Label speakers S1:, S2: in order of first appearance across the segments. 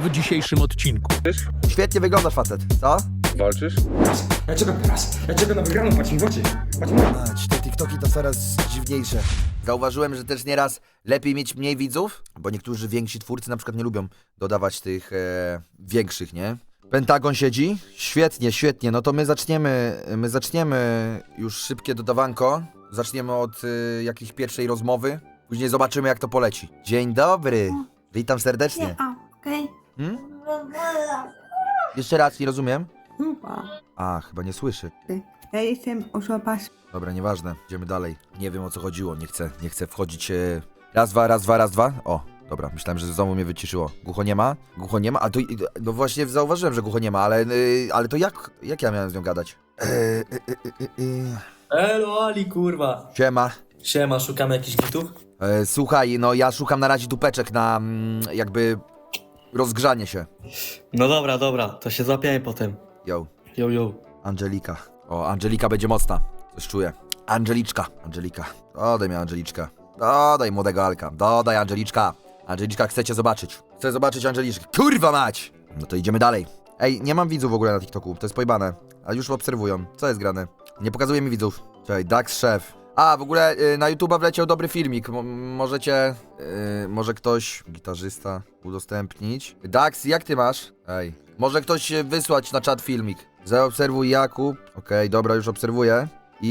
S1: w dzisiejszym odcinku.
S2: Świetnie wyglądasz, facet, co?
S3: Walczysz?
S4: Ja czekam teraz. Ja czekam na wygraną, patrz mi w oczy. Patrz mi.
S2: Mać, te TikToki to coraz dziwniejsze. Zauważyłem, że też nieraz lepiej mieć mniej widzów, bo niektórzy więksi twórcy na przykład nie lubią dodawać tych większych, nie? Pentagon siedzi? Świetnie, świetnie. No to my zaczniemy już szybkie dodawanko. Zaczniemy od jakiejś pierwszej rozmowy. Później zobaczymy, jak to poleci. Dzień dobry. Witam serdecznie.
S5: Okej.
S2: Hmm? Jeszcze raz, nie rozumiem. A, chyba nie słyszy.
S5: Ja jestem osoba
S2: Dobra, nieważne. Idziemy dalej. Nie wiem, o co chodziło. Nie chcę wchodzić. Raz, dwa, raz, dwa, raz, dwa. O, dobra. Myślałem, że znowu mnie wyciszyło. Głucho nie ma? Głucho nie ma? A to... No właśnie zauważyłem, że głucho nie ma, ale to jak ja miałem z nią gadać?
S6: Elo Ali, kurwa.
S2: Siema.
S6: Siema, szukamy jakichś gitów?
S2: Słuchaj, no ja szukam na razie dupeczek na jakby rozgrzanie się.
S6: No dobra, to się złapiemy potem.
S2: Yo,
S6: Yo.
S2: Angelika. O, Angelika będzie mocna. Coś czuję. Angelika. Dodaj mi Angeliczkę. Dodaj młodego Alka. Dodaj Angeliczka. Angeliczka, chcę cię zobaczyć. Chcę zobaczyć Angeliczkę. Kurwa mać! No to idziemy dalej. Ej, nie mam widzów w ogóle na TikToku. To jest pojebane. A już obserwują. Co jest grane? Nie pokazuje mi widzów. Czekaj, Dax Szef. A, w ogóle na YouTube'a wleciał dobry filmik. Możecie... może ktoś, gitarzysta, udostępnić. Dax, jak ty masz? Ej. Może ktoś wysłać na czat filmik. Zaobserwuj Jakub. Okej, dobra, już obserwuję.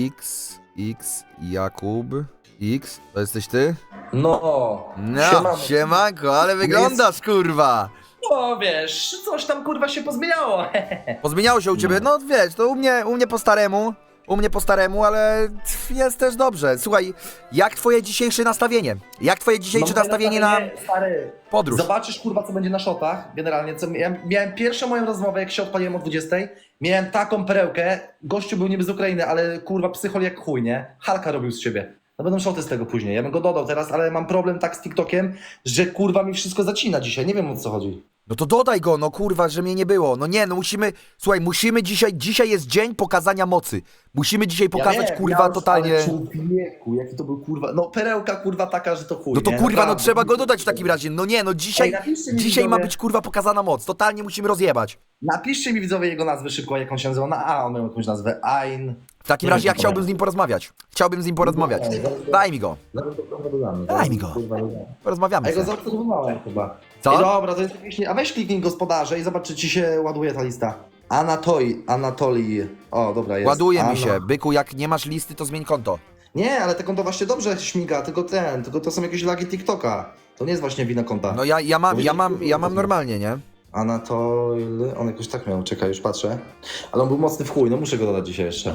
S2: Jakub. X, to jesteś ty?
S6: No.
S2: No, siemanko, ale wyglądasz, kurwa.
S6: No wiesz, coś tam kurwa się pozmieniało.
S2: Pozmieniało się u ciebie? No wiesz, to u mnie po staremu. Ale jest też dobrze. Słuchaj, jak twoje dzisiejsze nastawienie? Jak twoje dzisiejsze nastawienie na
S6: Stary,
S2: podróż?
S6: zobaczysz kurwa co będzie na shotach. Generalnie, ja miałem pierwszą moją rozmowę, jak się odpaliłem o 20. Miałem taką perełkę. Gościu był niby z Ukrainy, ale kurwa psychol jak chuj, nie? Halka robił z siebie. No będą shoty z tego później. Ja bym go dodał teraz, ale mam problem tak z TikTokiem, że kurwa mi wszystko zacina dzisiaj. Nie wiem, o co chodzi.
S2: No to dodaj go, no kurwa, że mnie nie było. No nie, no musimy dzisiaj jest dzień pokazania mocy. Musimy dzisiaj pokazać,
S6: wiem,
S2: kurwa, totalnie...
S6: Ale człowieku, jaki to był kurwa, no perełka kurwa taka, że to chuj,
S2: No to
S6: nie?
S2: kurwa, no
S6: Naprawdę.
S2: trzeba go dodać w takim razie. No nie, no dzisiaj
S6: napiszcie mi,
S2: ma
S6: widzowie.
S2: być kurwa pokazana moc. Totalnie musimy rozjebać.
S6: Napiszcie mi widzowie jego nazwę szybko, jak on się nazywa. Na A on miał jakąś nazwę. Ain.
S2: W takim razie ja chciałbym z nim porozmawiać. Daj mi go. Daj mi go.
S6: A
S2: Porozmawiamy
S6: ja go
S2: sobie.
S6: zaobserwowałem chyba.
S2: Co?
S6: Ej, dobra, to jest jakieś... A weź kliknij gospodarze i zobacz, czy ci się ładuje ta lista. Anatolii. O, dobra, jest.
S2: Ładuje mi się. Byku, jak nie masz listy, to zmień konto.
S6: Nie, ale te konto właśnie dobrze śmiga, tylko to są jakieś lagi TikToka. To nie jest właśnie wina konta.
S2: No ja mam normalnie, nie?
S6: Anatol... On jakoś tak miał, czekaj, już patrzę. Ale on był mocny w chuj, no muszę go dodać dzisiaj jeszcze.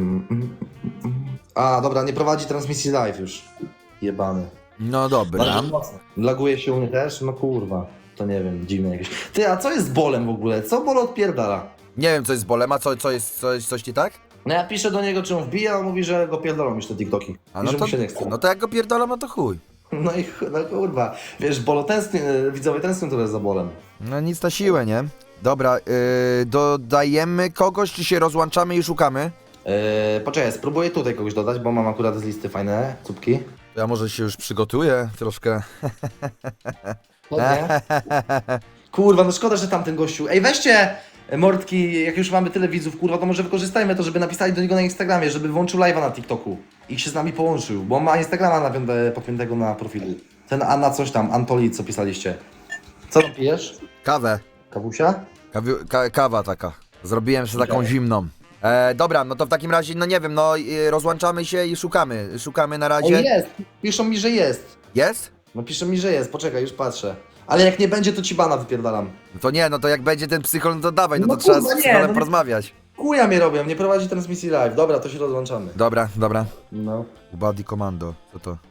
S6: A, dobra, nie prowadzi transmisji live już. Jebany.
S2: No dobra.
S6: Bardzo mocno. Laguje się u mnie też? No kurwa. To nie wiem, dziwne jakieś. Ty, a co jest z bolem w ogóle? Co bol odpierdala?
S2: Nie wiem, co jest z bolem, a co jest coś nie tak?
S6: No ja piszę do niego, czy on wbija, a on mówi, że go pierdolą już te TikToki.
S2: A
S6: I
S2: no
S6: że
S2: to,
S6: mu się nie chce.
S2: no to jak go pierdolam, no to chuj.
S6: No i no kurwa. Wiesz, bolo tęsknię, widzowie tęsknią trochę za bolem.
S2: No nic na siłę, nie? Dobra, dodajemy kogoś, czy się rozłączamy i szukamy?
S6: Poczekaj, spróbuję tutaj kogoś dodać, bo mam akurat z listy fajne cupki.
S2: To ja może się już przygotuję troszkę.
S6: Nie? Kurwa, no szkoda, że tamten gościu. Ej, weźcie mordki, jak już mamy tyle widzów, kurwa, to może wykorzystajmy to, żeby napisali do niego na Instagramie, żeby włączył live'a na TikToku i się z nami połączył, bo on ma Instagrama podpiętego na profilu. Ten Anna coś tam, Antoli, co pisaliście. Co tam pijesz?
S2: Kawę.
S6: Kawusia?
S2: Kawa taka. Zrobiłem sobie taką zimną. Dobra, no to w takim razie, no nie wiem, no rozłączamy się i szukamy. Szukamy na
S6: Ej,
S2: razie.
S6: jest! Piszą mi, że jest.
S2: Jest?
S6: No piszą mi, że jest, poczekaj, już patrzę. Ale jak nie będzie, to ci bana wypierdalam.
S2: No to nie, no to jak będzie ten psychol, no to dawaj, no to
S6: No
S2: trzeba
S6: kurwa,
S2: z
S6: nie,
S2: psycholem
S6: no nie-
S2: porozmawiać.
S6: Kuja mnie robią, nie prowadzi transmisji live. Dobra, to się rozłączamy.
S2: Dobra.
S6: No.
S2: Body Commando, co to?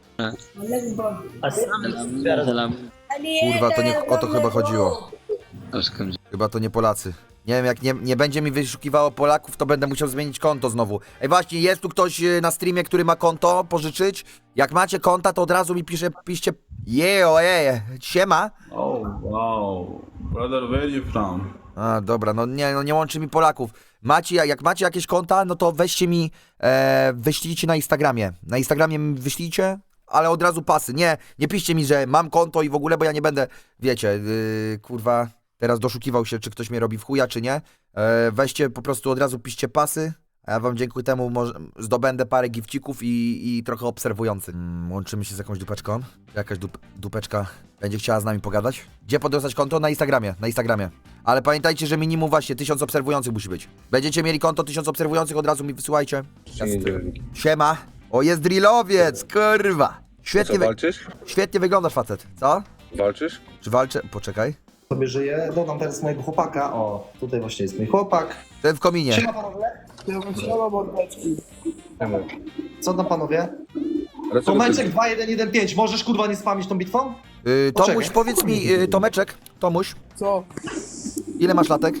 S7: Salam.
S2: Kurwa, to nie o to chyba chodziło. Chyba to nie Polacy. Nie wiem, jak nie będzie mi wyszukiwało Polaków, to będę musiał zmienić konto znowu. Ej, właśnie, jest tu ktoś na streamie, który ma konto pożyczyć? Jak macie konta, to od razu mi piszcie siema.
S7: Oh wow, brother, where you from?
S2: A, dobra, no nie łączy mi Polaków. Jak macie jakieś konta, no to weźcie mi, wyślijcie na Instagramie. Na Instagramie mi wyślijcie, ale od razu pasy. Nie piszcie mi, że mam konto i w ogóle, bo ja nie będę, wiecie, kurwa, teraz doszukiwał się, czy ktoś mnie robi w chuja, czy nie. Weźcie po prostu od razu piszcie pasy, a ja wam dzięki temu zdobędę parę gifcików i trochę obserwujących. Łączymy się z jakąś dupeczką. Jakaś dupeczka będzie chciała z nami pogadać. Gdzie podostać konto? Na Instagramie. Ale pamiętajcie, że minimum właśnie 1000 obserwujących musi być. Będziecie mieli konto 1000 obserwujących, od razu mi wysyłajcie. Siema. O, jest drillowiec, kurwa. Świetnie,
S1: Co, walczysz?
S2: świetnie wyglądasz, facet. Co?
S1: Walczysz?
S2: Czy walczę? Poczekaj.
S6: Sobie żyję, dodam teraz mojego chłopaka. O, tutaj właśnie jest mój chłopak.
S2: Ten w kominie.
S6: Siema panowie. Co tam panowie?
S1: Ale co
S6: Tomeczek 2115, możesz kurwa nie spamić tą bitwą?
S2: Tomuś,
S6: Poczekaj.
S2: powiedz mi, Tomeczek, Tomuś,
S3: Co?
S2: ile masz latek?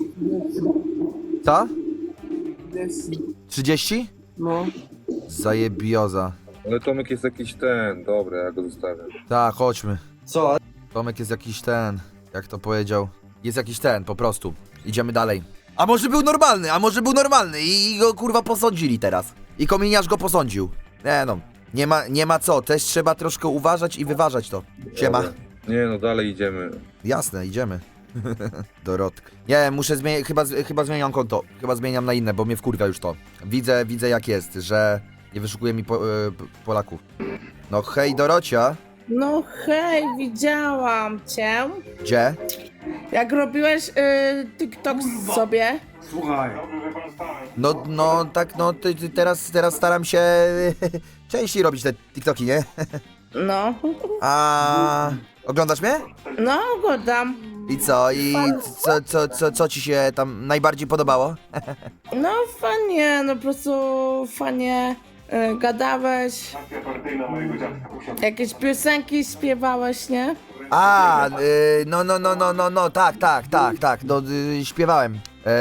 S2: Co?
S3: Jest.
S2: 30?
S3: No.
S2: Zajebioza.
S1: Ale Tomek jest jakiś ten, dobra, ja go zostawię.
S2: Tak, chodźmy.
S6: Co?
S2: Tomek jest jakiś ten, jak to powiedział. Jest jakiś ten, po prostu. Idziemy dalej. A może był normalny i go kurwa posądzili teraz. I kominiarz go posądził. Nie no, nie ma co, też trzeba troszkę uważać i wyważać to. Siema.
S1: Dobra. Nie no, dalej idziemy.
S2: Jasne, idziemy. Dorotka. Nie, muszę zmienić, chyba zmieniam konto. Chyba zmieniam na inne, bo mnie wkurwia już to. Widzę jak jest, że nie wyszukuje mi Polaków. No hej Dorocia.
S3: No hej, widziałam cię.
S2: Gdzie?
S3: Jak robiłeś TikTok sobie.
S4: Słuchaj.
S2: No tak, no teraz staram się częściej robić te TikToki, nie?
S3: No.
S2: A oglądasz mnie?
S3: No, oglądam.
S2: I co? I co ci się tam najbardziej podobało?
S3: No fajnie, no po prostu fajnie gadałeś. Jakieś piosenki śpiewałeś, nie?
S2: A, no, tak, no, śpiewałem,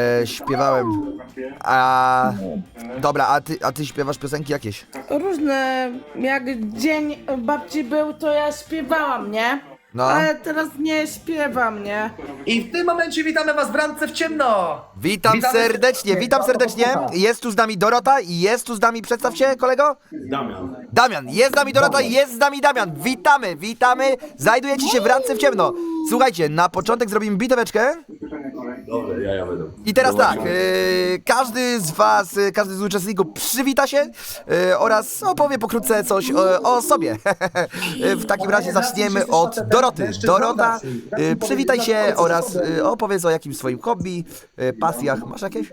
S2: a, dobra, a ty śpiewasz piosenki jakieś?
S3: Różne, jak dzień babci był, to ja śpiewałam, nie?
S2: No.
S3: Ale teraz nie śpiewam, nie?
S6: I w tym momencie witamy was w Randce w ciemno!
S2: Witam
S6: Witamy
S2: serdecznie, jest tu z nami Dorota i jest tu z nami, przedstaw się kolego? Damian, jest z nami Dorota i jest z nami Damian, witamy, znajdujecie się w Randce w ciemno. Słuchajcie, na początek zrobimy biteweczkę.
S8: Dobra, ja będę.
S2: I teraz tak, każdy z was, każdy z uczestników przywita się oraz opowie pokrótce coś o sobie. W takim razie zaczniemy od Doroty. Dorota, przywitaj się oraz opowiedz o jakimś swoim hobby, pasjach. Masz jakieś?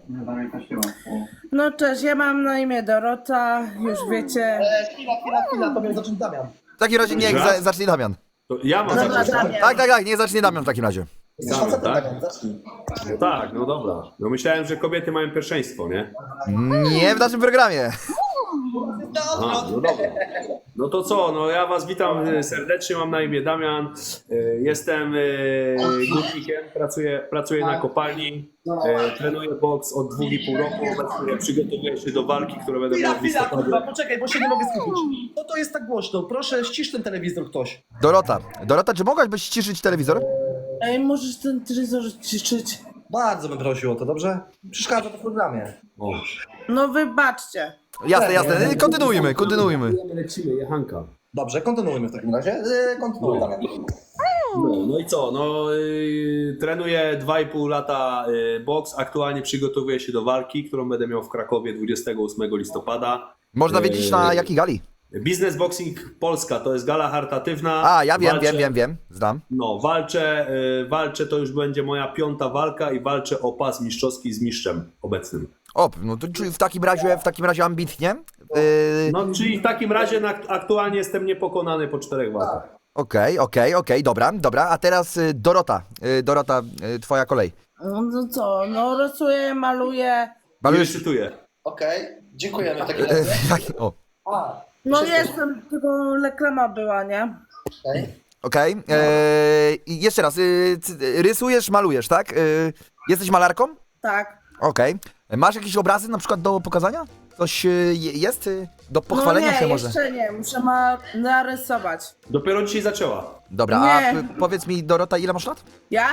S3: No cześć, ja mam na imię Dorota, już wiecie.
S6: Chwila, to miał zacząć Damian.
S2: W takim razie niech zacznie Damian.
S8: To ja mam
S3: Dobra,
S8: zacząć.
S3: Damian.
S2: Tak, niech zacznie Damian w takim razie.
S6: Jesteś
S8: Damian,
S6: facetem,
S8: tak?
S6: Damian, zacznij.
S8: No tak, no dobra. No myślałem, że kobiety mają pierwszeństwo, nie?
S2: Nie w naszym programie.
S8: Aha, no dobra. No to co, no ja was witam serdecznie, mam na imię Damian. Jestem górnikiem, pracuję na kopalni. Trenuję boks od 2,5 roku. Obecnie przygotowuję się do walki, które będę miał w
S6: Chwila,
S8: listopadzie.
S6: kurwa, poczekaj, bo się nie mogę skupić. Co to jest tak głośno? Proszę, ścisz ten telewizor ktoś.
S2: Dorota, czy mogłabyś ściszyć telewizor?
S3: Ej, możesz ten telewizor ciszyć?
S6: Bardzo bym prosił o to, dobrze? Przeszkadza to w programie.
S8: O,
S3: No wybaczcie.
S2: Jasne, kontynuujmy.
S8: lecimy, jechanka.
S6: Dobrze, kontynuujmy w takim razie. Kontynuuj, Damian.
S8: No i co? No, trenuję 2,5 lata boks. Aktualnie przygotowuję się do walki, którą będę miał w Krakowie 28 listopada.
S2: Można wiedzieć na jakiej gali?
S8: Business Boxing Polska to jest gala charytatywna.
S2: A, ja wiem,
S8: Walczę-
S2: wiem, znam.
S8: No, walczę, to już będzie moja 5. walka i walczę o pas mistrzowski z mistrzem obecnym.
S2: O, no to czyli w takim razie ambitnie.
S8: No, czyli w takim razie aktualnie jestem niepokonany po 4 walkach.
S2: Okej, dobra. A teraz Dorota, twoja kolej.
S3: No co, no rysuję, maluję.
S8: Nie cytuję.
S6: Okej, dziękujemy w takim razie.
S2: O,
S3: No jestem, tylko reklama była, nie?
S2: okej. I jeszcze raz, rysujesz, malujesz, tak? Jesteś malarką?
S3: Tak.
S2: Okej. Masz jakieś obrazy na przykład do pokazania? Coś jest do pochwalenia
S3: no nie,
S2: się może?
S3: jeszcze nie, muszę narysować.
S8: Dopiero dzisiaj zaczęła.
S2: Dobra, a
S3: Nie.
S2: powiedz mi Dorota, ile masz lat?
S3: Ja?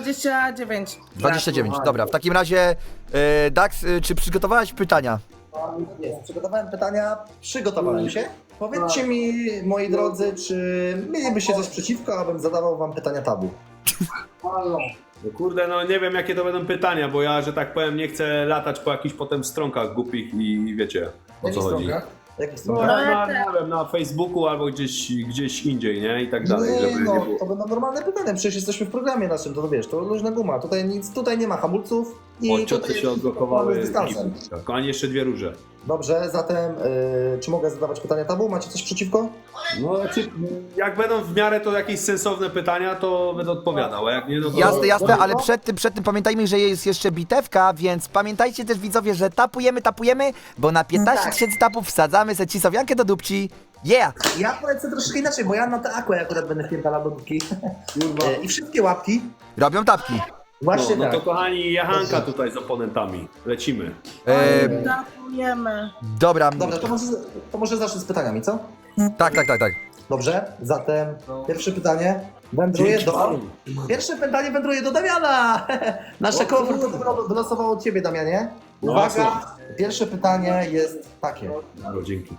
S3: 29.
S2: 29, dobra. W takim razie, Dax, czy przygotowałaś pytania?
S6: Jest, przygotowałem pytania, przygotowałem się. Powiedzcie mi, moi drodzy, czy mielibyście coś przeciwko, abym zadawał wam pytania tabu?
S8: No kurde, no nie wiem jakie to będą pytania, bo ja, że tak powiem, nie chcę latać po jakichś potem stronkach głupich i wiecie o co chodzi.
S6: Jakich
S8: No,
S6: stronach?
S8: nie wiem, na Facebooku albo gdzieś indziej, nie? I tak dalej,
S6: Nie,
S8: żeby nie
S6: no,
S8: było.
S6: to będą normalne pytania, przecież jesteśmy w programie naszym, to wiesz, to luźna guma, tutaj nie ma hamulców i
S8: Odcioty
S6: tutaj
S8: się odblokowały.
S6: z dystansem.
S8: Tak, ani jeszcze 2 róże.
S6: Dobrze, zatem czy mogę zadawać pytania tabu? Macie coś przeciwko?
S8: No, znaczy, jak będą w miarę to jakieś sensowne pytania, to będę odpowiadał, a jak nie, no to...
S2: Jasne, jasne, ale przed tym pamiętajmy, że jest jeszcze bitewka, więc pamiętajcie też widzowie, że tapujemy, bo na 15
S6: Tak.
S2: 000 tapów wsadzamy secisowjankę do dupci. Yeah!
S6: Ja polecę troszeczkę inaczej, bo ja na te aqua akurat będę wpierdalał do dupki. I wszystkie łapki.
S2: Robią tapki.
S6: Właśnie
S8: No
S6: tak.
S8: to kochani, jachanka tutaj z oponentami. Lecimy.
S3: Tapujemy.
S2: Dobra,
S6: Dobra, to może zacznę z pytaniami, co?
S2: tak.
S6: Dobrze, zatem pierwsze pytanie wędruje do... Pierwsze pytanie wędruje do Damiana! Nasze koło fortuny wylosowało od ciebie, Damianie.
S8: No,
S6: Uwaga, pierwsze pytanie jest takie.
S8: No, dzięki.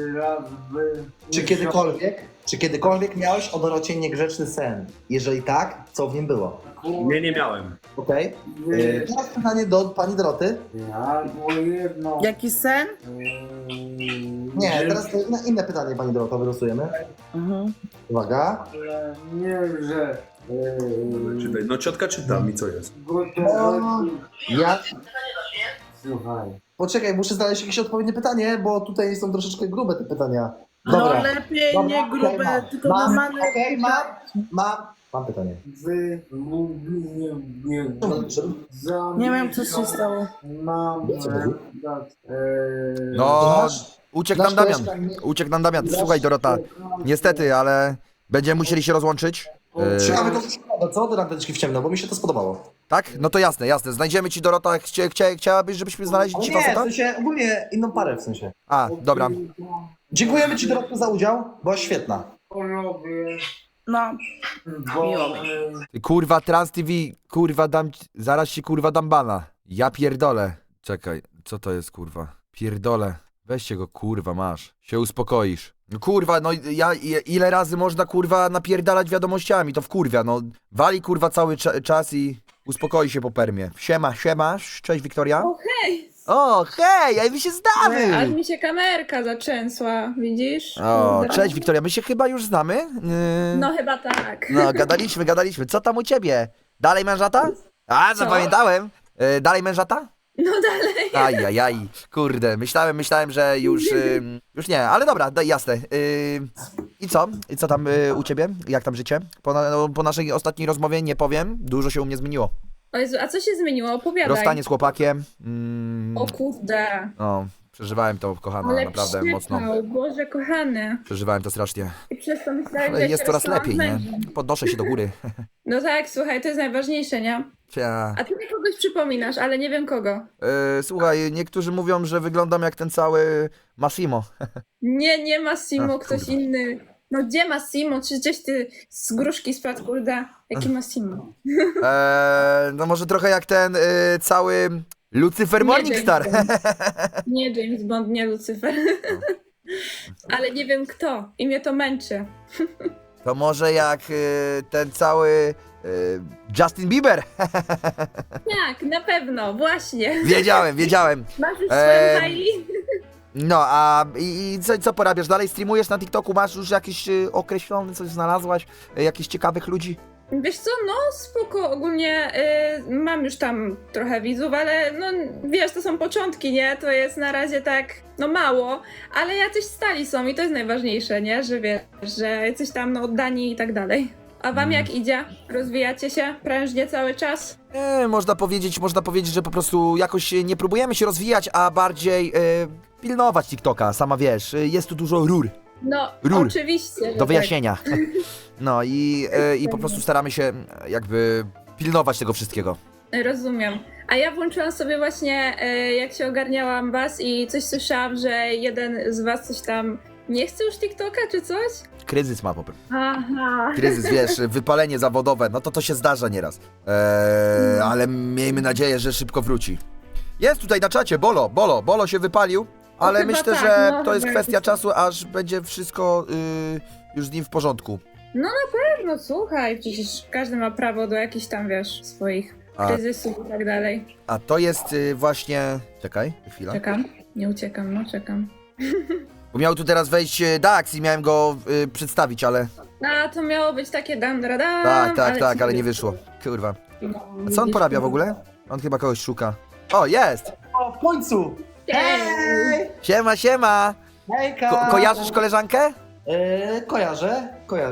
S6: Czy kiedykolwiek miałeś o Dorocie niegrzeczny sen? Jeżeli tak, co w nim było?
S8: Nie miałem.
S6: Okej. Teraz pytanie do pani Doroty.
S3: Jaki sen?
S6: Nie, teraz inne pytanie pani Dorota wylosujemy. Uwaga.
S8: Czytaj. No ciotka czyta mi co jest.
S6: Ja... Poczekaj, muszę znaleźć jakieś odpowiednie pytanie, bo tutaj są troszeczkę grube te pytania. Dobra.
S3: No lepiej
S6: Dobra,
S3: nie grube,
S6: okej,
S3: tylko
S6: mam,
S3: normalne.
S6: okej, mam pytanie.
S3: Nie wiem co się stało.
S2: No, uciekł nam Damian.
S6: koleżka nie-
S2: Uciekł nam Damian. Słuchaj Dorota, niestety, ale będziemy musieli się rozłączyć.
S6: Ciekawe to szkoda, co? Do randeczki w ciemno, bo mi się to spodobało.
S2: Tak? No to jasne. Znajdziemy ci Dorota, chciałabyś, żebyśmy znaleźli
S6: Ale
S2: ci
S6: nie, w
S2: faceta?
S6: sensie ogólnie inną parę w sensie.
S2: A, dobra.
S6: Dziękujemy ci Dorotko za udział, byłaś świetna.
S3: No, miło mi.
S2: Ty, kurwa, Trans TV, kurwa, zaraz ci kurwa dam bana. Ja pierdolę. Czekaj, co to jest kurwa? Pierdolę. Weźcie go, kurwa, masz. Się uspokoisz. No kurwa, no ile razy można kurwa napierdalać wiadomościami, to wkurwia, no. Wali kurwa cały czas i uspokoi się po permie. Siema, cześć Wiktoria.
S9: O hej!
S2: O, hej, ej, my się
S9: Aż
S2: znamy!
S9: mi się kamerka zatrzęsła, widzisz?
S2: O,
S9: Kurde.
S2: cześć Wiktoria, my się chyba już znamy?
S9: No chyba tak.
S2: No, gadaliśmy. Co tam u ciebie? Dalej mężata? A,
S9: Co?
S2: zapamiętałem. Dalej mężata?
S9: No dalej.
S2: Ajajaj, kurde, myślałem, że już nie, ale dobra, jasne. I co? I co tam u ciebie? Jak tam życie? Po naszej ostatniej rozmowie nie powiem, dużo się u mnie zmieniło.
S9: O Jezu, a co się zmieniło? Opowiadaj.
S2: Rozstanie z chłopakiem.
S9: O kurde.
S2: No, przeżywałem to, kochana,
S9: Ale
S2: naprawdę
S9: przypał,
S2: mocno.
S9: Boże kochany.
S2: Przeżywałem to strasznie.
S9: I przez to myślałem,
S2: Ale
S9: że
S2: jest
S9: się
S2: coraz
S9: rozstałam
S2: lepiej,
S9: z
S2: nie?
S9: mężem.
S2: Podnoszę się do góry.
S9: No tak, słuchaj, to jest najważniejsze, nie?
S2: Cia.
S9: A ty mi kogoś przypominasz, ale nie wiem kogo.
S2: Słuchaj, niektórzy mówią, że wyglądam jak ten cały Massimo.
S9: Nie Massimo,
S2: Ach,
S9: ktoś
S2: kurwa.
S9: inny. No gdzie Massimo? Czy gdzieś ty z gruszki spadł, kurde? Jaki Massimo?
S2: No może trochę jak ten cały Lucifer
S9: Nie
S2: Morningstar.
S9: James Bond. Nie James Bond, nie Lucyfer. Ale nie wiem kto i mnie to męczy.
S2: To może jak ten cały Justin Bieber.
S9: Tak, na pewno, właśnie.
S2: Wiedziałem.
S9: Masz już swoją Hailey?
S2: No, a i co porabiasz? Dalej streamujesz na TikToku? Masz już jakiś określony, coś znalazłaś? Jakichś ciekawych ludzi?
S9: Wiesz co, no spoko, ogólnie mam już tam trochę widzów, ale no wiesz, to są początki, nie? To jest na razie tak, no mało, ale jacyś stali są i to jest najważniejsze, nie? Że wiesz, że jacyś tam no oddani i tak dalej. A wam jak idzie? Rozwijacie się prężnie cały czas?
S2: Można powiedzieć, że po prostu jakoś nie próbujemy się rozwijać, a bardziej pilnować TikToka, sama wiesz. Jest tu dużo rur
S9: No,
S2: Rur.
S9: oczywiście, że
S2: do wyjaśnienia. No i po prostu staramy się jakby pilnować tego wszystkiego.
S9: Tak, rozumiem. A ja włączyłam sobie właśnie, jak się ogarniałam was i coś słyszałam, że jeden z was coś tam nie chce już TikToka czy coś?
S2: Kryzys ma po prostu.
S9: Aha.
S2: Kryzys, wiesz, wypalenie zawodowe, no to się zdarza nieraz. Ale miejmy nadzieję, że szybko wróci. Jest tutaj na czacie, Bolo się wypalił, ale
S9: chyba
S2: myślę,
S9: tak,
S2: że
S9: no,
S2: to jest
S9: chyba
S2: kwestia
S9: jakoś tak.
S2: czasu, aż będzie wszystko już z nim w porządku.
S9: No na pewno, słuchaj, przecież każdy ma prawo do jakichś tam, wiesz, swoich kryzysów i tak dalej.
S2: A to jest właśnie... Czekaj, chwila.
S9: Czekam, nie uciekam, no czekam.
S2: Bo miał tu teraz wejść Dax i miałem go przedstawić, ale...
S9: A, to miało być takie dam, dam,
S2: Tak, ale nie wyszło. Kurwa. A co on porabia w ogóle? On chyba kogoś szuka. O, jest!
S6: O, w końcu!
S9: Hej!
S2: Siema, siema!
S6: Hejka!
S2: Kojarzysz koleżankę?
S6: Kojarzę.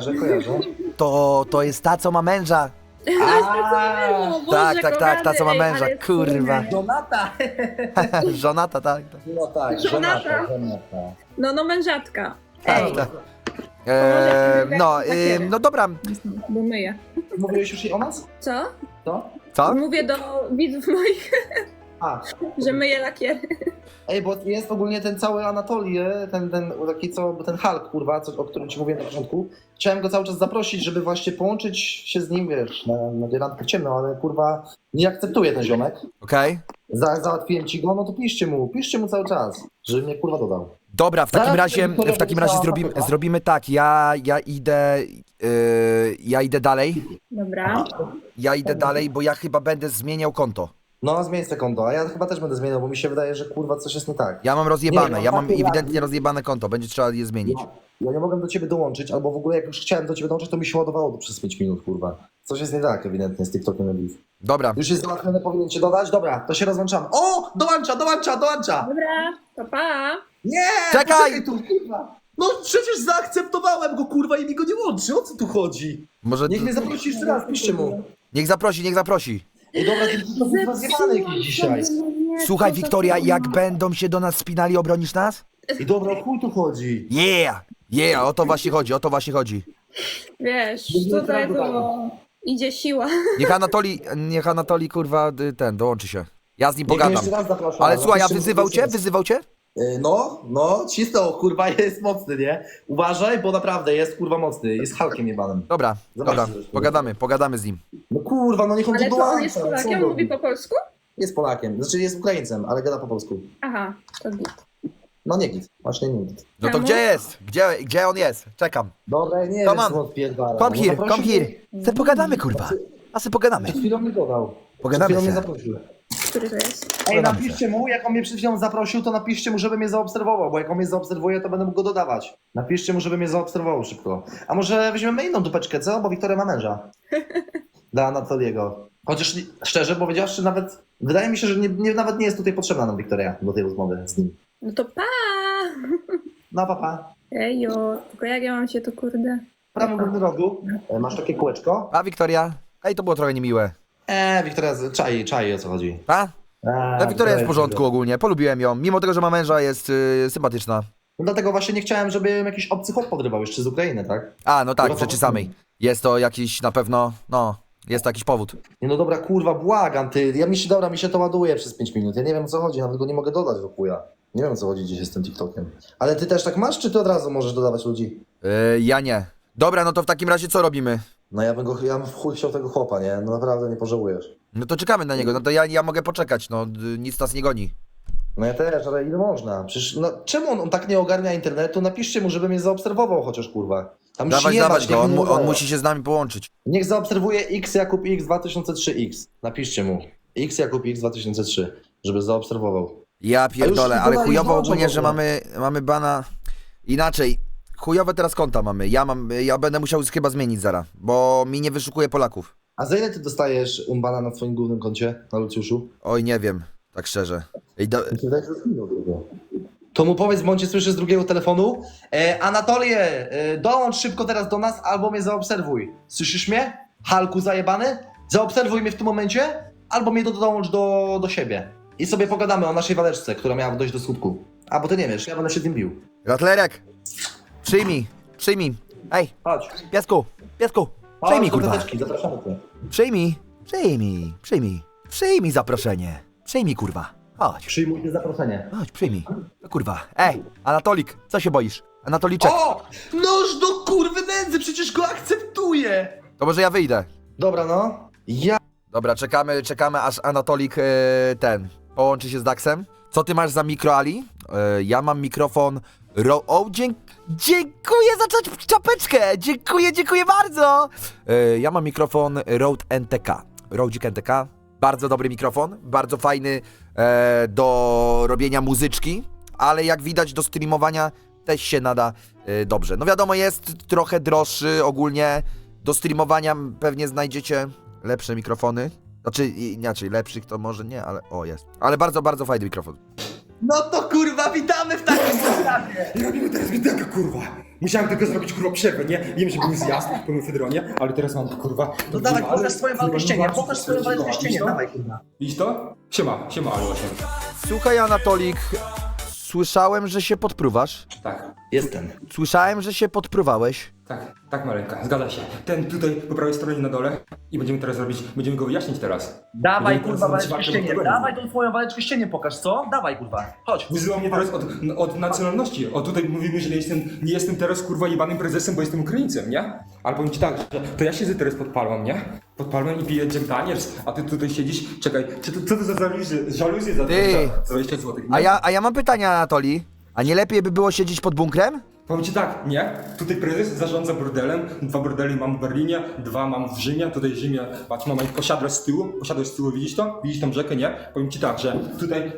S2: To jest ta, co ma męża.
S9: O Boże,
S2: Tak, ta, co ma
S9: kochany,
S2: męża,
S9: ale
S2: kurwa.
S6: Donata!
S2: Żonata, tak.
S6: No tak,
S9: Żonata. No mężatka.
S2: Tak,
S9: Ej,
S2: tak.
S9: Lakiery.
S2: No dobra.
S9: bo myję.
S6: Mówiłeś już jej o nas?
S9: Co?
S2: Co?
S9: Mówię do widzów moich,
S6: A,
S9: że myję lakiery.
S6: ej, bo jest ogólnie ten cały Anatolii, ten taki ten Hulk, kurwa, o którym ci mówiłem na początku. Chciałem go cały czas zaprosić, żeby właśnie połączyć się z nim, wiesz, na randkę ciemną, ale kurwa nie akceptuje ten ziomek.
S2: Okej.
S6: Załatwiłem ci go, no to piszcie mu cały czas, żeby mnie kurwa dodał.
S2: Dobra, w takim razie zrobimy tak. Ja idę dalej.
S9: Dobra.
S2: Ja idę dalej, bo ja chyba będę zmieniał konto.
S6: No, zmień se konto, a ja chyba też będę zmieniał, bo mi się wydaje, że kurwa coś jest nie tak.
S2: Ja mam rozjebane,
S6: Nie,
S2: ja mam
S6: tak,
S2: ewidentnie rozjebane konto, będzie trzeba je zmienić.
S6: Ja nie mogłem do ciebie dołączyć, albo w ogóle jak już chciałem do ciebie dołączyć, to mi się ładowało przez 5 minut, kurwa. Coś jest nie tak ewidentnie z TikTokiem na Beef.
S2: Dobra.
S6: Już jest załatwione, powinien cię dodać? Dobra, to się rozłączamy. O! Dołącza!
S9: Dobra, to pa.
S6: Nie!
S2: Czekaj!
S6: Poczekaj tu, kurwa! No przecież zaakceptowałem go, kurwa, i mi go nie łączy. O co tu chodzi?
S2: Może...
S6: Niech mnie zaprosi jeszcze raz, piszcie mu.
S2: Niech zaprosi.
S6: Ej, dobra, to jest zjebany jakiś dzisiaj.
S2: Słuchaj, Wiktoria, jak będą się do nas spinali, obronisz nas?
S6: I dobra, o chuj tu chodzi.
S2: Yeah, o to właśnie chodzi.
S9: Wiesz, tutaj to idzie siła.
S2: Niech Anatolii, kurwa, dołączy się. Ja z nim
S6: Niech mnie
S2: pogadam.
S6: jeszcze raz zapraszam.
S2: Ale słuchaj, a
S6: Napiszcie mu,
S2: wyzywał cię?
S6: No, Cisto, kurwa, jest mocny, nie? Uważaj, bo naprawdę jest, kurwa, mocny. Jest Hulkiem jebanym.
S2: Dobra,
S6: Zobaczcie,
S2: pogadamy z nim.
S6: No kurwa, no niech on
S9: Ale
S6: tu
S9: to on
S6: dołącza.
S9: jest
S6: co
S9: Polakiem,
S6: on
S9: mówi
S6: robi?
S9: po polsku?
S6: Jest Polakiem, znaczy jest Ukraińcem, ale gada po polsku.
S9: Aha, to git.
S6: No nie git, właśnie nie git.
S2: No to
S9: Czemu?
S2: gdzie jest? Gdzie on jest? Czekam.
S6: Dobra, nie
S2: Come
S6: wiem,
S2: on.
S6: co odpierdala.
S2: Come
S6: No
S2: here.
S6: zaprosił mnie.
S2: Se pogadamy, kurwa. A se pogadamy.
S6: Przed chwilą mnie dodał.
S2: Pogadamy
S6: Przed chwilą
S2: se.
S6: mnie zaprosił.
S9: Który to jest?
S6: Ej,
S2: Pogadamy
S6: napiszcie mu, jak on mnie przed chwilą zaprosił, to napiszcie mu, żeby mnie zaobserwował, bo jak on mnie zaobserwuje, to będę mógł go dodawać. Napiszcie mu, żeby mnie zaobserwował szybko. A może weźmiemy inną dupeczkę, co? Bo Wiktoria ma męża. Dla Anatoliego. Chociaż szczerze powiedziawszy, nawet wydaje mi się, że nawet nie jest tutaj potrzebna nam Wiktoria do tej rozmowy z nim.
S9: No to pa!
S6: No papa.
S9: Ejo, tylko jak ja mam się to kurde...
S6: W prawym górnym rogu masz takie kółeczko.
S2: A Wiktoria? Ej, to było trochę niemiłe.
S6: Wiktoria, czai o co chodzi.
S2: A? No Wiktoria jest w porządku ogólnie, polubiłem ją. Mimo tego, że ma męża, jest sympatyczna.
S6: No dlatego właśnie nie chciałem, żeby jakiś obcy chłop podrywał jeszcze z Ukrainy, tak?
S2: A, no tak, w rzeczy samej. Jest to jakiś na pewno, jest to jakiś powód.
S6: Nie no dobra, kurwa, błagam, ty. Mi się to ładuje przez 5 minut. Ja nie wiem o co chodzi, nawet go nie mogę dodać do chuja. Nie wiem o co chodzi dzisiaj z tym TikTokiem. Ale ty też tak masz, czy ty od razu możesz dodawać ludzi?
S2: Ja nie. Dobra, no to w takim razie co robimy?
S6: No ja bym w chuj chciał tego chłopa, nie? No naprawdę nie pożałujesz.
S2: No to czekamy na niego, no to ja mogę poczekać, no nic nas nie goni.
S6: No ja też, ale ile można? Przecież, no czemu on tak nie ogarnia internetu? Napiszcie mu, żeby mnie zaobserwował chociaż, kurwa. Tam
S2: Dawać go,
S6: niech
S2: on musi się z nami połączyć.
S6: Niech zaobserwuje X Jakub X 2003X. Napiszcie mu. X Jakub X 2003, żeby zaobserwował.
S2: Ja pierdolę,
S6: już
S2: ale
S6: dodaj,
S2: chujowo
S6: już
S2: ogólnie, że
S6: dołączą
S2: mamy bana... Inaczej, chujowe teraz konta mamy. Ja będę musiał chyba zmienić zaraz, bo mi nie wyszukuje Polaków.
S6: A za ile ty dostajesz umbana na swoim głównym koncie, na Lucjuszu?
S2: Oj, nie wiem, tak szczerze.
S6: To mu powiedz, bo on cię słyszy z drugiego telefonu. Anatolię, dołącz szybko teraz do nas albo mnie zaobserwuj. Słyszysz mnie? Halku zajebany? Zaobserwuj mnie w tym momencie albo mnie dołącz do siebie. I sobie pogadamy o naszej waleczce, która miała dojść do skutku. A, bo ty nie wiesz, ja będę się tym bił.
S2: Ratlerek, przyjmij. Ej,
S6: Chodź.
S2: piesku, przyjmij, kurwa.
S6: Zapraszamy cię.
S2: Przyjmij zaproszenie. Przyjmij, kurwa. Chodź,
S6: Przyjmuj te zaproszenie.
S2: przyjmij. No, kurwa. Ej, Anatolik, co się boisz? Anatoliczek,
S6: O! Noż do kurwy nędzy, przecież go akceptuję!
S2: to może ja wyjdę.
S6: Dobra, no.
S2: Dobra, czekamy aż Anatolik połączy się z Daxem. Co ty masz za mikro, Ali? Ja mam mikrofon Dziękuję za czapeczkę! Dziękuję bardzo! Ja mam mikrofon Rode NTK. Rodzik NTK. Bardzo dobry mikrofon, bardzo fajny do robienia muzyczki, ale jak widać do streamowania też się nada dobrze. No wiadomo, jest trochę droższy ogólnie. Do streamowania pewnie znajdziecie lepsze mikrofony. Znaczy, inaczej, lepszych to może nie, ale o, jest. Ale bardzo, bardzo fajny mikrofon.
S6: No to kurwa, witamy w takim zestawie!
S4: I robimy teraz widełkę, kurwa. Musiałem tylko zrobić, kurwa, przerwę, nie? Wiem, że był zjazd po mefedronie, ale teraz mam to, kurwa.
S6: No dawaj, pokaż swoją walkę ścienie, pokaż swoją walkę ścienie, dawaj kurwa.
S4: Widzisz to? Siema, ale 8.
S2: Słuchaj, Anatolik, słyszałem, że się podpruwasz.
S4: Tak,
S6: Jestem.
S2: Słyszałem, że się podpruwałeś.
S4: tak, Maleńka, zgadza się. Ten tutaj po prawej stronie na dole i będziemy teraz robić, będziemy go wyjaśnić teraz.
S6: Dawaj
S4: Będziemy
S6: kurwa
S4: teraz
S6: waleczkę
S4: walkę
S6: ścienie,
S4: do tego.
S6: dawaj tą twoją waleczkę ścienie pokaż, co? Dawaj kurwa, chodź.
S4: Wyzywa mnie teraz od nacjonalności. O tutaj mówimy, że nie jestem teraz kurwa jebanym prezesem, bo jestem Ukraińcem, nie? Ale powiem ci tak, że to ja siedzę teraz pod palmą, nie? Pod palmą i piję Jack Daniels, a ty tutaj siedzisz, czekaj, co to za żaluzje za
S2: Ty.
S4: 20 zł?
S2: A ja mam pytanie, Anatoli. A nie lepiej by było siedzieć pod bunkrem?
S4: Powiem ci tak, nie? Tutaj prezes zarządza bordelem, 2 bordele mam w Berlinie, 2 mam w Rzymie, tutaj w Rzymie, patrz, mam posiadłość z tyłu, widzisz to? Widzisz tą rzekę, nie? Powiem ci tak, że tutaj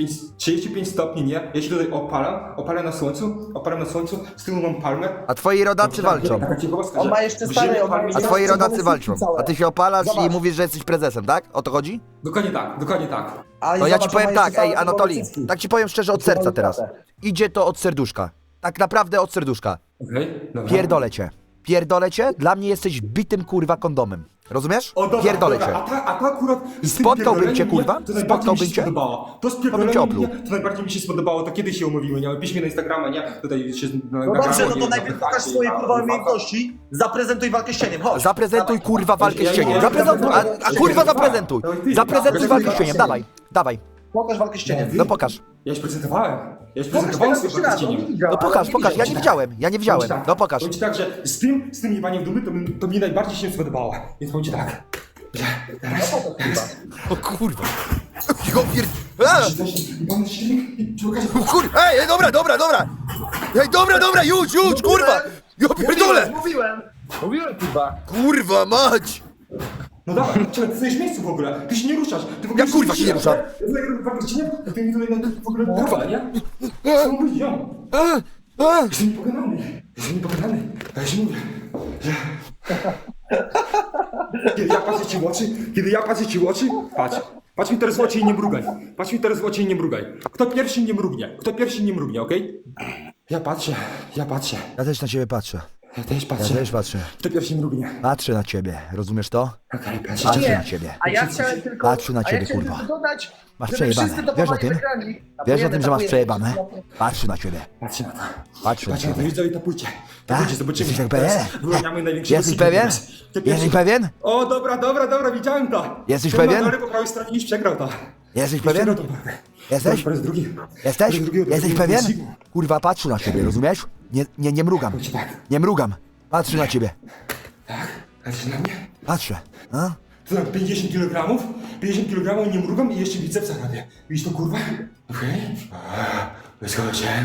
S4: 35 stopni, nie? Ja się tutaj opalam na słońcu, z tyłu mam palmę.
S2: A twoi rodacy walczą.
S4: Taka ciekawostka,
S6: On
S4: że
S6: ma jeszcze
S4: w
S6: stare,
S4: Rzymie
S6: on ma
S4: palmy
S6: jeszcze
S2: A
S4: nie-
S2: twoi
S6: Zobacz,
S2: rodacy
S6: zobacz,
S2: walczą.
S6: całe.
S2: A ty się opalasz
S6: Zobacz.
S2: i mówisz, że jesteś prezesem, tak? O to chodzi?
S4: Dokładnie tak.
S6: Ale
S2: To ja ci
S6: zobacz,
S2: powiem
S6: on ma
S2: tak,
S6: jeszcze
S2: ej,
S6: całe
S2: Anatoli,
S6: cycki.
S2: tak ci powiem szczerze od serca teraz. Idzie to od serduszka. Tak naprawdę od serduszka.
S4: Okej, dobra.
S2: Pierdolę cię, dla mnie jesteś bitym kurwa kondomem. Rozumiesz?
S4: O, dobra,
S2: Pierdolę cię.
S4: dobra. A ta akurat z tym
S2: Spotkałbym cię,
S4: pierdoleniem,
S2: kurwa?
S4: nie? To najbardziej
S2: Spotkałbym
S4: mi się
S2: cię?
S4: spodobało. To z
S2: To bym cię
S4: pierdoleniem,
S2: opluł.
S4: nie? To najbardziej mi się spodobało, to kiedyś się umówimy, nie? Pisz mnie na Instagrama, nie? Tutaj się
S6: No dobrze, no to najpierw pokaż swoje kurwa umiejętności, zaprezentuj walkę ścieniem, chodź.
S2: Zaprezentuj
S6: Dawaj.
S2: kurwa walkę
S4: Ja-
S2: z cieniem.
S4: ja-
S2: Zaprezentuj, a kurwa zaprezentuj. Zaprezentuj walkę z cieniem, dawaj.
S6: Pokaż walkę ścieniem.
S2: No pokaż.
S4: Ja już prezentowałem.
S6: Pokaż teraz jeszcze raz, on nie widział,
S2: No
S6: ale
S2: pokaż,
S6: nie
S2: pokaż, ja
S6: widział.
S2: nie widziałem. No pokaż.
S4: Powiem ci tak, że z tym jebaniem dumy to mi najbardziej się spodobało. Więc powiem ci tak. Że teraz...
S2: O kurwa. Jo pier...
S4: Jebany silnik i przy okazji...
S2: O kurwa, ej, dobra. Ej, dobra, już, kurwa. Jo pierdolę.
S6: Mówiłem kurwa.
S2: Kurwa mać.
S4: No dawaj, czekaj, ty stoisz w miejscu w ogóle. Ty się nie ruszasz. Ty w ogóle
S2: Ja kurwa się nie ruszam.
S4: Ja ty mi tutaj w ogóle kurwa, nie? Co mówisz, ją? Jestem niepokonany. A ja się mówię, że... Kiedy ja patrzę ci w oczy, patrz mi teraz w oczy i nie mrugaj. Kto pierwszy nie mrugnie, okej? Ja patrzę.
S2: Ja też na ciebie patrzę.
S4: Ja też
S2: patrzę.
S4: Kto pierwszy mrugnie?
S2: Patrzę na ciebie, rozumiesz to?
S4: Okej, patrzę.
S2: Patrzę na ciebie.
S6: A ja chciałem tylko...
S2: Patrzę na
S6: a ja
S2: ciebie,
S6: chciałem
S2: kurwa.
S6: tylko dodać,
S2: Masz
S6: żeby
S2: przejebane.
S6: wszyscy to
S2: Wiesz o
S6: pomagali
S2: tym?
S6: wygrani.
S2: Wiesz o tym, że masz
S6: Tapujemy.
S2: przejebane? Patrzę na ciebie.
S4: Patrzę na to.
S2: Patrzę na
S4: Patrzę na to,
S2: ciebie.
S4: widzowie, to pójdźcie.
S2: Tak?
S4: Zobaczymy.
S2: Jesteś
S4: Teraz
S2: pewien?
S4: wyłaniamy największego
S2: Jesteś
S4: syna
S2: pewien?
S4: teraz. Kto pierwszy-
S2: Jesteś pewien?
S4: O, dobra, widziałem to.
S2: Jesteś
S4: Ten
S2: pewien?
S4: na dole po prawej stronie już przegrał to.
S2: Jesteś
S4: Już
S2: pewien?
S4: przegrał to walkę.
S2: Jesteś?
S4: Po raz drugi.
S2: Jesteś?
S4: Po raz drugi,
S2: Jesteś
S4: drugi
S2: pewien?
S4: wyścigu.
S2: Kurwa, patrzę na ciebie, rozumiesz? Nie mrugam.
S4: Chodź tak.
S2: Nie mrugam. Patrzę na ciebie.
S4: Patrz na mnie.
S2: Patrzę. A?
S4: To tam 50 kg? 50 kg nie mrugam i jeszcze bicepsa robię. Widzisz to, kurwa? Okej. Wyskoczyłem.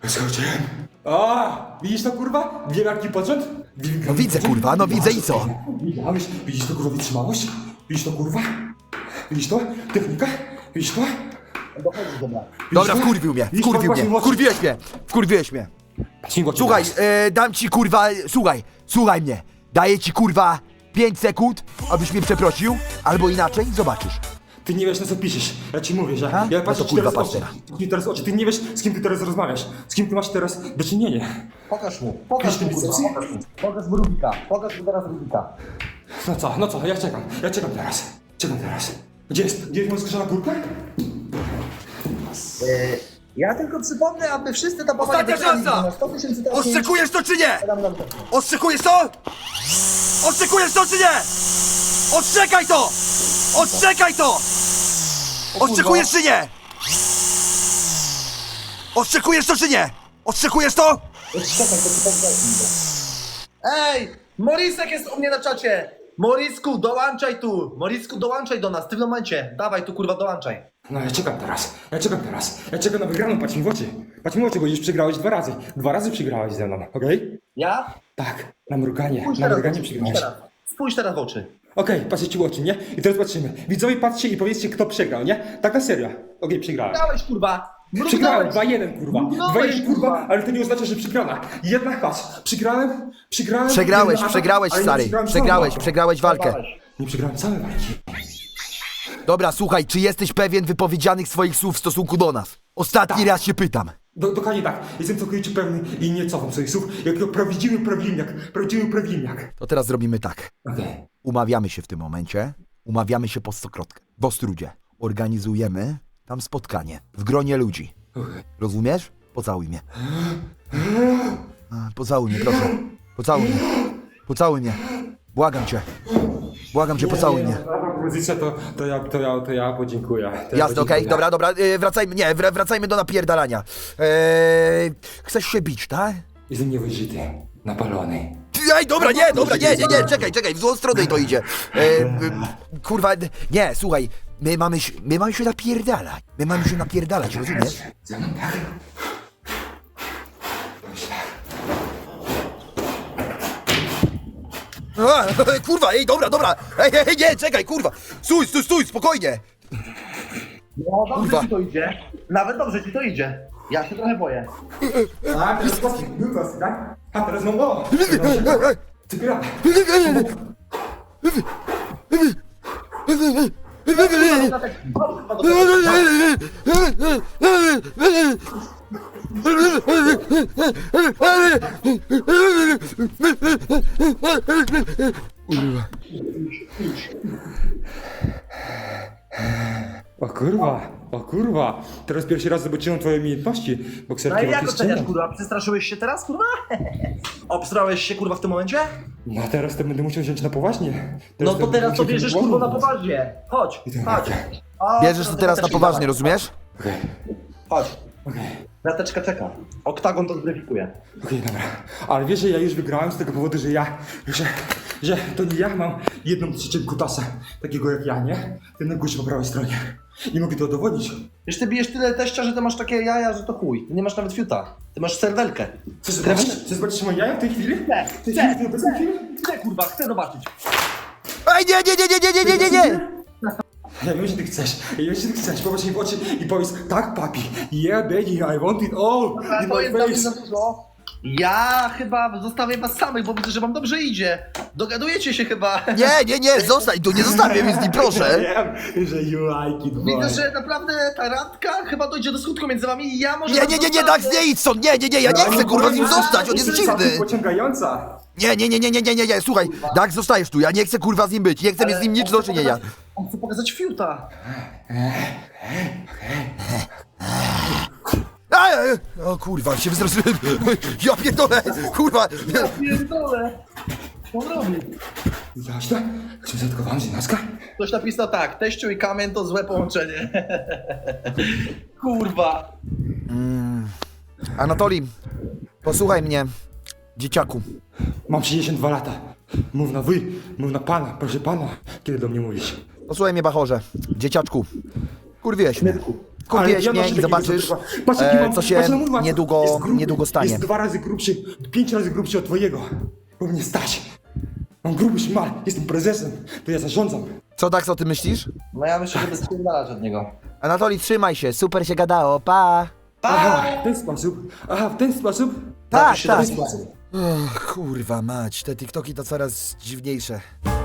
S4: A, widzisz to, kurwa? Wielki począt?
S2: No widzę, kurwa, no widzę i co?
S4: Widziałeś? Widzisz to, kurwa, wytrzymałość? Widzisz to, kurwa? Widzisz to? Technika? Widzisz to?
S2: Dobra, wkurwił mnie. Wkurwiłeś mnie. Słuchaj, dam ci kurwa, słuchaj mnie. Daję ci kurwa 5 sekund, abyś mnie przeprosił, albo inaczej zobaczysz.
S4: Ty nie wiesz, na co piszesz. Ja ci mówię, że
S2: A?
S4: ja
S2: No
S4: patrzę
S2: to
S4: ci
S2: kurwa,
S4: teraz
S2: patrz
S4: oczy.
S2: teraz.
S4: Patrz mi teraz oczy. Ty nie wiesz, z kim ty teraz rozmawiasz. Z kim ty masz teraz do czynienia.
S6: Pokaż mu, kurwa, pokaż mu Rubika. Pokaż mu teraz Rubika.
S4: No co, ja czekam teraz. Gdzie jest moja skrzana kurka?
S6: Ja tylko przypomnę, aby wszyscy tapowali
S2: Ostatnia
S6: wygrani.
S2: szansa!
S6: Na 100 000 trafień.
S2: Ostrzykujesz to czy nie?
S6: Dam nam to.
S2: Ostrzykujesz to? Ostrzykujesz to czy nie? Ostrzekaj to! Ostrzekaj to! Ostrzykujesz czy nie? Ostrzykujesz to czy nie? Ostrzykujesz to?
S6: Czekaj, to ci powiem. Ej! Morisek jest u mnie na czacie! Morisku, dołączaj tu! Morisku, dołączaj do nas, w tym momencie. Dawaj tu, kurwa, dołączaj.
S4: No ja czekam teraz. Ja czekam na wygraną, patrz mi w oczy. Patrz mi w oczy, bo już przegrałeś 2 razy. 2 razy przegrałeś ze mną, okej?
S6: Ja?
S4: Tak, na mruganie
S6: Spójrz
S4: przegrałeś.
S6: Spójrz teraz w oczy.
S4: Okej, patrzcie ci w oczy, nie? I teraz patrzymy. Widzowie, patrzcie i powiedzcie, kto przegrał, nie? Tak na serio. Okej, przegrałem.
S6: Mrugnąłeś, kurwa!
S4: Przegrałem,
S6: Mrugnąłeś!
S4: 2-1, kurwa.
S6: Mrugnąłeś,
S4: 2-1, kurwa,
S6: kurwa.
S4: ale to nie oznacza, że przegrana. Jednak patrz, przegrałem.
S2: Przegrałeś,
S4: jeden
S2: przegrałeś,
S4: atak, ale nie
S2: stary.
S4: przegrałem
S2: Przegrałeś,
S4: całą
S2: przegrałeś walkę.
S4: Nie przegrałem całej walki.
S2: Dobra, słuchaj, czy jesteś pewien wypowiedzianych swoich słów w stosunku do nas? Ostatni raz się pytam.
S4: Dokładnie tak. Jestem całkowicie pewny i nie cofam swoich słów. Jako prawdziwy prawilniak.
S2: To teraz zrobimy tak.
S4: Okej.
S2: Umawiamy się w tym momencie. Umawiamy się po Stokrotkę. W Ostrudzie. Organizujemy tam spotkanie. W gronie ludzi. Rozumiesz? Pocałuj mnie. Pocałuj mnie, proszę. Pocałuj mnie. Pocałuj mnie. Błagam cię. Błagam cię, pocałuj mnie.
S4: Ta propozycja to ja podziękuję.
S2: Jasne, okej, dobra, wracajmy, wracajmy do napierdalania. Chcesz się bić, tak?
S4: Jestem niewyżyty, napalony.
S2: Ej, dobra, nie, czekaj, w złą stronę to idzie. Kurwa, nie, słuchaj, my mamy się napierdalać, rozumiesz?
S4: Ze mną tak?
S2: Kurwa, ej, dobra, ej, nie, czekaj, kurwa, stój, spokojnie.
S6: No dobrze
S2: Kurwa.
S6: ci to idzie. Nawet dobrze ci to idzie. Ja się trochę boję.
S4: A, teraz was, tak? A, teraz mam o! Ty gra! O kurwa, teraz pierwszy raz zobaczyłem twoje umiejętności
S6: No i
S4: bokserki
S6: jak oceniasz,
S4: walki z
S6: kurwa? Przestraszyłeś się teraz, kurwa? Obstrałeś się, kurwa, w tym momencie?
S4: No teraz to będę musiał wziąć na poważnie.
S6: No to teraz to
S4: będę
S6: bierzesz,
S4: musiał
S6: kurwa, na
S4: wziąć
S6: poważnie. Chodź.
S2: Bierzesz to teraz na poważnie, rozumiesz?
S4: Okej,
S6: Chodź.
S4: okej.
S6: Krateczka czeka. Oktagon to zweryfikuje.
S4: Okej, dobra. Ale wiesz, że ja już wygrałem z tego powodu, że to nie ja mam 1/3 kutasa, takiego jak ja, nie? Ten na górze po prawej stronie. I mogę to udowodnić.
S6: Wiesz, ty bijesz tyle teścia, że ty masz takie jaja, że to chuj. Ty nie masz nawet fiuta. Ty masz serwelkę.
S4: Chcesz zobaczyć moje jaja w tej chwili?
S6: Chcę, kurwa, chcę zobaczyć.
S2: Ej, nie!
S4: Ja wiem, że ty chcesz. Popatrz mi w oczy i powiedz, tak papi, yeah baby, I want it all in
S6: To
S4: my
S6: jest dla mnie
S4: face.
S6: za dużo. Ja chyba zostawię was samych, bo widzę, że wam dobrze idzie. Dogadujecie się chyba.
S2: Nie, zostań tu, nie zostawię mnie z nim, proszę.
S4: Wiem, że you like it, boy.
S6: Widzę, że naprawdę ta randka chyba dojdzie do skutku między wami i ja może...
S2: Nie, Dax, nie idź stąd, nie, ja nie chcę kurwa z nim zostać, on jest dziwny.
S4: Pociągająca.
S2: Nie, słuchaj, Dax, zostajesz tu, ja nie chcę kurwa z nim być, nie chcę mieć z nim nic do czynienia.
S6: On chce pokazać fiuta.
S2: O kurwa, się wystraszyłem. Ja pierdolę, kurwa.
S6: Pierdolę. Co on robi?
S4: Widziałaś to? Jak się zatkowałem z naska?
S6: Ktoś napisał tak, teściu i kamień to złe połączenie. Kurwa.
S2: Anatolii, posłuchaj mnie, dzieciaku.
S4: Mam 62 lata. Mów na wy, mów na pana, proszę pana. Kiedy do mnie mówisz?
S2: Posłuchaj mnie, bachorze, dzieciaczku. Kurwiłeś mnie. Kurwiłeś mnie i zobaczysz, co się niedługo stanie.
S4: Jest 2 razy grubszy, 5 razy grubszy od twojego. Bo mnie stać. Mam gruby szmal, jestem prezesem, to ja zarządzam.
S2: Co, Dax, o tym myślisz?
S6: No ja myślę, że bez spierdalać od niego.
S2: Anatolii, trzymaj się, super się gadało, pa!
S4: Aha, w ten sposób. W ten sposób.
S2: Tak.
S6: W ten sposób.
S2: Kurwa mać, te TikToki to coraz dziwniejsze.